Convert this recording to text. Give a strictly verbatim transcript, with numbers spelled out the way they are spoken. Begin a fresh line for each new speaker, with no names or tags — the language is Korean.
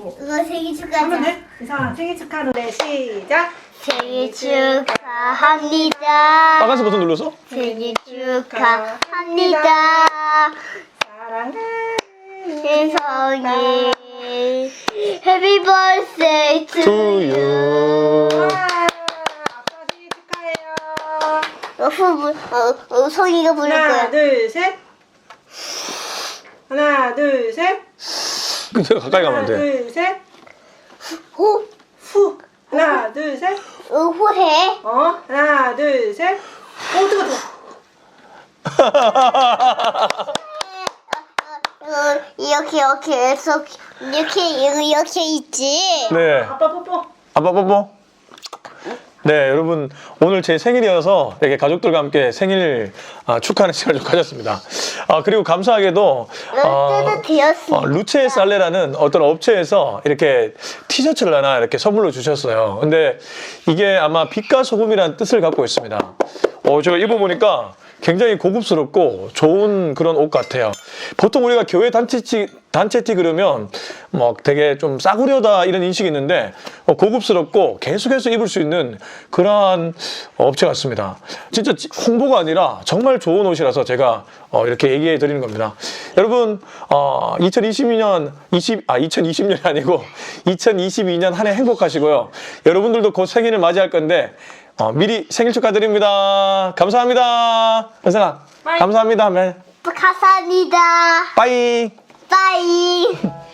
하고.
이거 생일 축하하자.
하면 돼? 이상아 생일 축하 노래 시작.
생일 축하합니다.
빨간색 버튼 눌렀어?
생일 축하합니다.
사랑하는
세상에 Happy birthday to
To
you.
you.
와, 아빠 생일 축하해요.
어, 후, 부- 어, 어, 성이가 부를
하나
거야.
둘 셋. 하나 둘 셋.
근데 가까이 가면 안
하나
돼.
둘 셋.
호,
후. 하나 둘 셋.
어, 후해.
어 하나 둘 셋. 오 뜨거 뜨거.
어, 이렇게 이렇게 해서 이렇게 이렇게 있지.
네.
아빠 뽀뽀.
아빠 뽀뽀. 네, 여러분 오늘 제 생일이어서 이렇게 가족들과 함께 생일 아, 축하하는 시간을 좀 가졌습니다. 아, 그리고 감사하게도
롯데도 되었습니다.
어, 루체 살레라는 어떤 업체에서 이렇게 티셔츠를 하나 이렇게 선물로 주셨어요. 근데 이게 아마 빛과 소금이라는 뜻을 갖고 있습니다. 어, 제가 입어보니까 굉장히 고급스럽고 좋은 그런 옷 같아요. 보통 우리가 교회 단체티, 단체티 그러면 뭐 되게 좀 싸구려다 이런 인식이 있는데 어, 고급스럽고 계속해서 입을 수 있는 그러한 업체 같습니다. 진짜 홍보가 아니라 정말 좋은 옷이라서 제가 어, 이렇게 얘기해 드리는 겁니다. 여러분 어, 이천이십이 년 이십, 아, 이천이십 년이 아니고 이천이십이 년 한 해 행복하시고요. 여러분들도 곧 생일을 맞이할 건데 어, 미리 생일 축하드립니다. 감사합니다. 현선아, 감사합니다.
감사합니다.
빠이.
빠이.